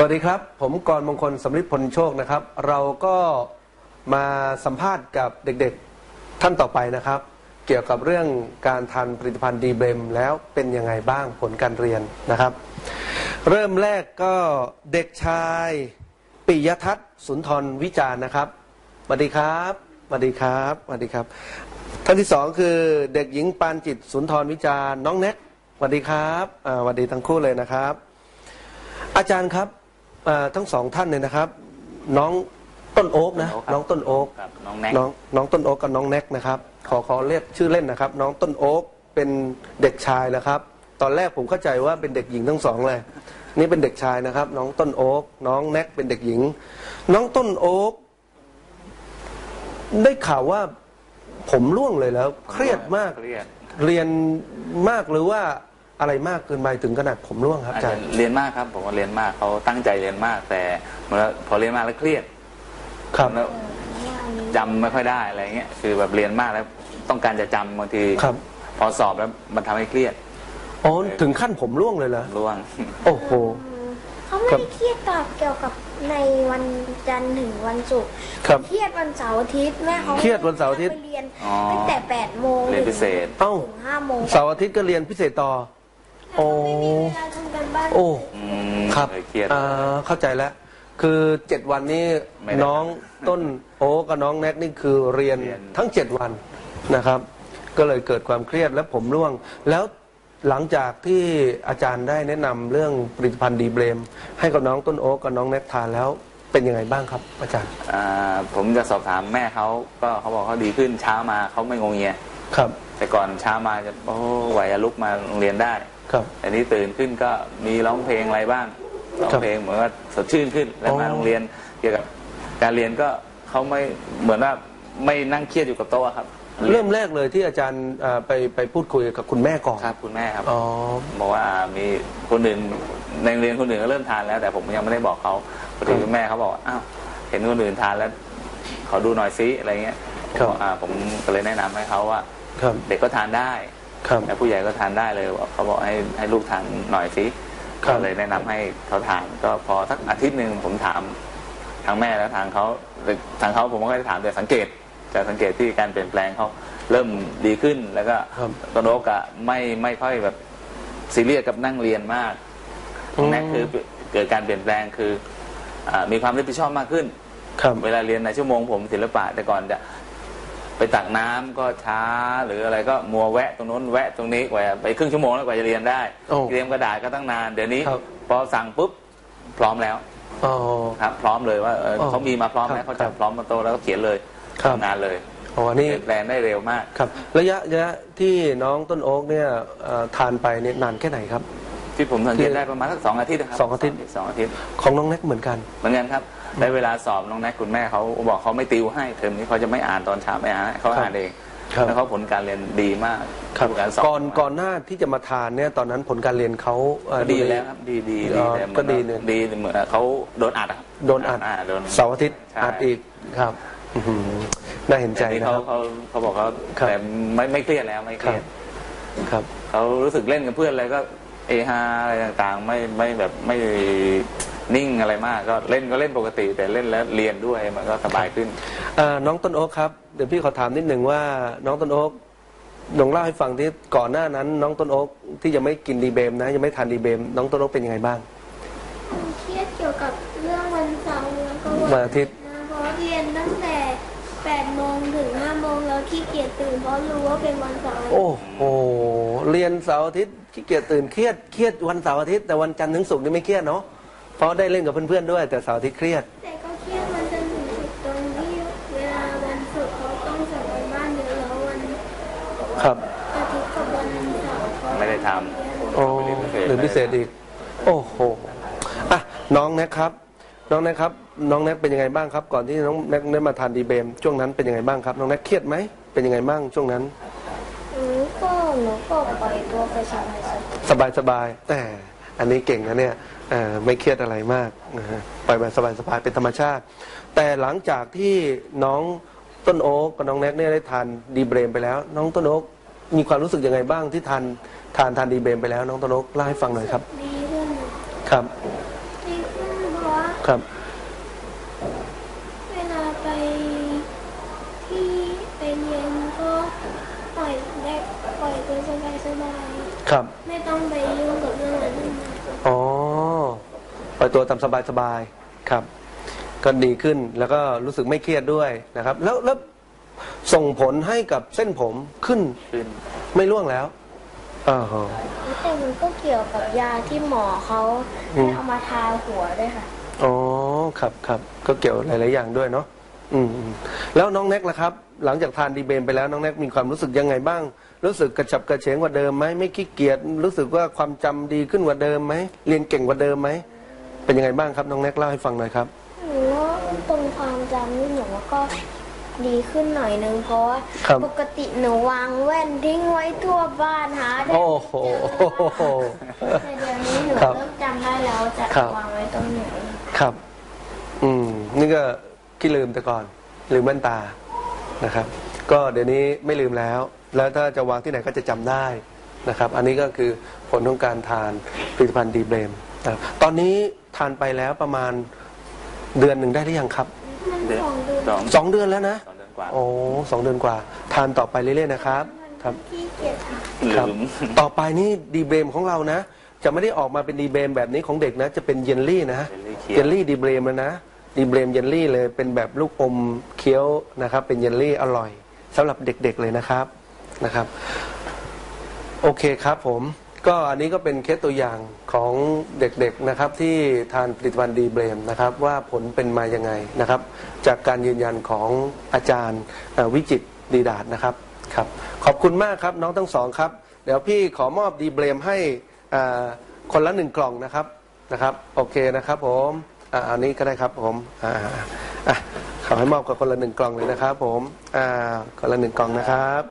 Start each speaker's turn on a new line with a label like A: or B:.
A: วัสดีครับผมกรมงคลสำริดพลโชคนะครับเราก็มาสัมภาษณ์กับเด็กๆท่านต่อไปนะครับเกี่ยวกับเรื่องการทานผลิตภัณฑ์ดีเบรมแล้วเป็นยังไงบ้างผลการเรียนนะครับเริ่มแรกก็เด็กชายปิยทัศน์สุนทรวิจารณ์นะครับสวัสดีครับสวัสดีครับสวัสดีครับท่านที่สองคือเด็กหญิงปานจิตสุนทรวิจารณ์น้องแน็กสวัสดีครับสวัสดีทั้งคู่เลยนะครับอาจารย์ครับทั้งสองท่านเลยนะครับน้องต้นโอ๊กนะน้องต้นโอ๊กน้องต้นโอ๊กกับน้องแน็กนะครับขอเรียกชื่อเล่นนะครับน้องต้นโอ๊กเป็นเด็กชายนะครับตอนแรกผมเข้าใจว่าเป็นเด็กหญิงทั้งสองเลยนี่เป็นเด็กชายนะครับน้องต้นโอ๊กน้องแน็กเป็นเด็กหญิงน้องต้นโอ๊กได้ข่าวว่าผมร่วงเลยแล้วเครียดมากเรียนมากหรือว่าอะไรมากเกินไปถึงขนาดผมร่วงครับอาจารย์
B: เรียนมากครับผมก็เรียนมากเขาตั้งใจเรียนมากแต่พอเรียนมากแล้วเครียด
A: ครับ
B: แล้วจำไม่ค่อยได้อะไรเงี้ยคือแบบเรียนมากแล้วต้องการจะจำบางทีพอสอบแล้วมันทำให้เครียด
A: อ๋อถึงขั้นผมร่วงเลยเหรอ
B: ร่วง
A: โอ้โห
C: เขาไม่ได้เครียดเกี่ยวกับในวันจันทร์ถึงวันศุกร์เครียดวันเสาร์อาทิตย์แม่เขา
A: เครียดวันเสาร์อาทิตย์
C: เรียนตั้งแต่8 โมง
B: เรียนพิเศษ
C: ถึง5 โมง
A: เสาร์อาทิตย์ก็เรียนพิเศษต่อโอ้โอ้ครับเข้าใจแล้วคือ7 วันนี้น้องต้นโอ๊กับน้องแน็กนี่คือเรียนทั้ง7 วันนะครับก็เลยเกิดความเครียดและผมร่วงแล้วหลังจากที่อาจารย์ได้แนะนำเรื่องผลิตภัณฑ์ดีเบรมให้กับน้องต้นโอ๊กับน้องแน็กทานแล้วเป็นยังไงบ้างครับอาจารย์
B: ผมจะสอบถามแม่เขาก็เขาบอกเขาดีขึ้นเช้ามาเขาไม่งงเงีย
A: ครับ
B: แต่ก่อนเช้ามาจะไหวลุกมาโรงเรียนได้แต่นี้ตื่นขึ้นก็มีร้องเพลงอะไรบ้างร้องเพลงเหมือนว่าสดชื่นขึ้นแล้วมาโรงเรียนเกี่ยวกับการเรียนก็เขาไม่เหมือนว่าไม่นั่งเครียดอยู่กับโต๊ะครับ
A: เริ่มแรกเลยที่อาจารย์ไปพูดคุยกับคุณแม่ก่อน
B: ครับคุณแม่ครับบอกว่ามีคนอื่นในโรงเรียนคนอื่นก็เริ่มทานแล้วแต่ผมยังไม่ได้บอกเขาพอดีคุณแม่เขาบอกอ้าวเห็นคนอื่นทานแล้วขอดูหน่อยซิอะไรเงี้ยผมก็เลยแนะนำให้เขาว่าเด็กก็ทานได้แต่ผู้ใหญ่ก็ทานได้เลยเขาบอกให้ลูกทานหน่อยสิก็เลยแนะนำให้เขาทานก็พอสักอาทิตย์หนึ่งผมถามทางแม่แล้วทางเขาผมก็ไม่ได้ถามแต่สังเกตที่การเปลี่ยนแปลงเขาเริ่มดีขึ้นแล้วก็ต้นโอ๊กอะไม่ค่อยแบบซีเรียสกับนั่งเรียนมากแน็กคือเกิดการเปลี่ยนแปลงคือมีความรับผิดชอบมากขึ้นเวลาเรียนในชั่วโมงผมศิลปะแต่ก่อนจะไปตักน้ำก็ช้าหรืออะไรก็มัวแวะตรงนู้นแวะตรงนี้กว่าไปครึ่งชั่วโมงแล้วกว่าจะเรียนได้เตรียมกระดาษก็ตั้งนานเดี๋ยวนี้พอสั่งปุ๊บพร้อมแล้วครับพร้อมเลยว่าเขามีมาพร้อมแล้วเขาจะพร้อมมาโตแล้วก็เขียนเลยทำงานเลย
A: นี่
B: แปลงได้เร็วมาก
A: ครับระยะที่น้องต้นโอ๊กเนี่ยทานไปเนี่ยนานแค่ไหนครับ
B: ที่ผมสังเกตได้ประมาณสัก2 อาทิตย์ครับ
A: 2 อาทิตย์ของน้องแน็กเหมือนกัน
B: ครับในเวลาสอบน้องแน็กคุณแม่เขาบอกเขาไม่ติวให้เทอมนี้เขาจะไม่อ่านตอนเช้าไม่อ่านเขาอ่านเองแล้วเขาผลการเรียนดีมาก
A: การสอบก่อนหน้าที่จะมาทานเนี่ยตอนนั้นผลการเรียนเขา
B: ดีแล้วครับดีแต่
A: ก็ดีเลย
B: ดีเหมือนเขาโดนอัด
A: โดนอัดเสาร์อาทิตย์อัดอีกครับน่าเห็นใจนะครับ
B: เขาบอกเขาแต่ไม่เครียดแล้วไม่เครียด
A: ครับ
B: เขารู้สึกเล่นกับเพื่อนอะไรก็เอฮาอะไรต่างๆไม่แบบไม่นิ่งอะไรมากก็เล่นปกติแต่เล่นแล้วเรียนด้วยมันก็สบายขึ้น
A: น้องต้นโอ๊กครับเดี๋ยวพี่ขอถามนิดหนึ่งว่าน้องต้นโอ๊กลองเล่าให้ฟังที่ก่อนหน้านั้นน้องต้นโอ๊กที่ยังไม่กินดีเบมนะยังไม่ทานดีเบมน้องต้นโอ๊กเป็นยังไงบ้าง
C: เครียดเกี่ยวกับเรื่องวันเสาร์แล้วก็
A: วันอาทิตย์
C: เพราะเรียนตั้งแต่8 โมงถึง5 โมงแล้วขี้เกียจตื่นเพราะรู้ว่าเป็นวันเสาร์
A: โอ้โหเรียนเสาร์อาทิตย์ขี้เกียจตื่นเครียดวันเสาร์อาทิตย์แต่วันจันทร์ถึงศุกร์นี่ไม่เครียดเนาะเพราะได้เล่นกับเพื่อนๆด้วยแต่เสาร์อาทิตย์เครียด
C: แต่ก็เครียดวันจันทร์ถึงศุกร์ตรงที่เวลาวันศุกร์เขาต้องส่งการบ้านเยอะแล้ววันอาทิตย์กับวันเสาร์
B: ไม่ได้ทำ
A: หรือพิเศษอีกโอ้โหน้องแน็กครับน้องแน็กเป็นยังไงบ้างครับก่อนที่น้องแน็กได้มาทานดีเบมช่วงนั้นเป็นยังไงบ้างครับน้องแน็กเครียดไหมเป็นยังไงบ้างช่วงนั้น
C: หนูก็ปล่อยตัวไป
A: สบายแต่อันนี้เก่งนะเนี่ยไม่เครียดอะไรมากปล่อยแบบสบายเป็นธรรมชาติแต่หลังจากที่น้องต้นโอ๊กกับน้องแน็กเนี่ยได้ทานดีเบรมไปแล้วน้องต้นโอ๊กมีความรู้สึกยังไงบ้างที่ทานดีเบรมไปแล้วน้องต้นโอ๊กเล่าให้ฟังหน่อยครับ
C: ดีขึ้น
A: ครับ
C: ดีขึ้นเพ
A: ครับ
C: เวลาไปที่ไปเรียนก็ปล่อยตัวสบาย
A: ครับ
C: ๆไม่ต้องไปยุ่งกับเรื่องนั้นมาก
A: อ๋อปล่อยตัวตามสบายๆครับ ก็ดีขึ้นแล้วก็รู้สึกไม่เครียดด้วยนะครับ แล้วส่งผลให้กับเส้นผมขึ้น
B: ขึ้น
A: ไม่ร่วงแล้วอ๋อ
C: แต่มันก็เกี่ยวกับยาที่หมอเขาให้เอามาทาหัวด้วยค่ะ
A: อ๋อครับครับก็เกี่ยวหลายๆอย่างด้วยเนาะแล้วน้องแน็กล่ะครับ หลังจากทานดีเบมไปแล้วน้องแน็กมีความรู้สึกยังไงบ้าง รู้สึกกระฉับกระเฉงกว่าเดิมไหมไม่ขี้เกียจรู้สึกว่าความจำดีขึ้นกว่าเดิมไหมเรียนเก่งกว่าเดิมไหมเป็นยังไงบ้างครับน้องแน็กเล่าให้ฟังหน่อยครับ
C: หนูว่าตรงความจำนี่หนูว่าก็ดีขึ้นหน่อยนึงเพราะว่า
A: ครับ
C: ปกติหนูวางแว่นทิ้งไว้ทั่วบ้านหาได้
A: โอ้โห
C: แต่เดี๋ยวนี้หนู
A: ครับ
C: เริ่มจำได้แล้วจะ
A: ครับ
C: วางไว้ตรงไหน
A: ครับ นี่ก็ขี้ลืมแต่ก่อนลืมแว่นตานะครับ ก็เดี๋ยวนี้ไม่ลืมแล้ว แล้วถ้าจะวางที่ไหนก็จะจำได้นะครับ อันนี้ก็คือผลของการทานผลิตภัณฑ์ดีเบรมนะครับตอนนี้ทานไปแล้วประมาณเดือนหนึ่งได้หรือยังครับ
C: มัน
B: เดือน
C: 2 เดือน
B: สอง
A: 2 เดือนแล้วนะ
B: 2 เดือนกว่า
A: โอ้2 เดือนกว่า ทานต่อไปเรื่อยๆนะครับครับ
C: ขี้เกียจทำ
A: ครับ
B: ลืม
A: ต่อไปนี่ดีเบรมของเรานะ จะไม่ได้ออกมาเป็นดีเบรมแบบนี้ของเด็กนะ จะเป็นเยลลี่นะ
B: เยลลี่เคี้ยว
A: เยลลี่ดีเบรมแล้วนะดีเบรมเยลลี่เลยเป็นแบบลูกอมเคี้ยวนะครับ เป็นเยลลี่อร่อยสำหรับเด็กๆเลยนะครับโอเคครับผมก็อันนี้ก็เป็นเคสตัวอย่างของเด็กๆนะครับที่ทานผลิตภัณฑ์ดีเบรมนะครับว่าผลเป็นมายังไงนะครับ จากการยืนยันของอาจารย์วิจิตรดีดาษนะครับครับขอบคุณมากครับน้องทั้งสองครับเดี๋ยวพี่ขอมอบดีเบรมให้คนละ1 กล่องนะครับโอเคนะครับผมอันนี้ก็ได้ครับผมขอให้มอบกับคนละ1 กล่องเลยนะครับผมคนละ1 กล่องนะครับ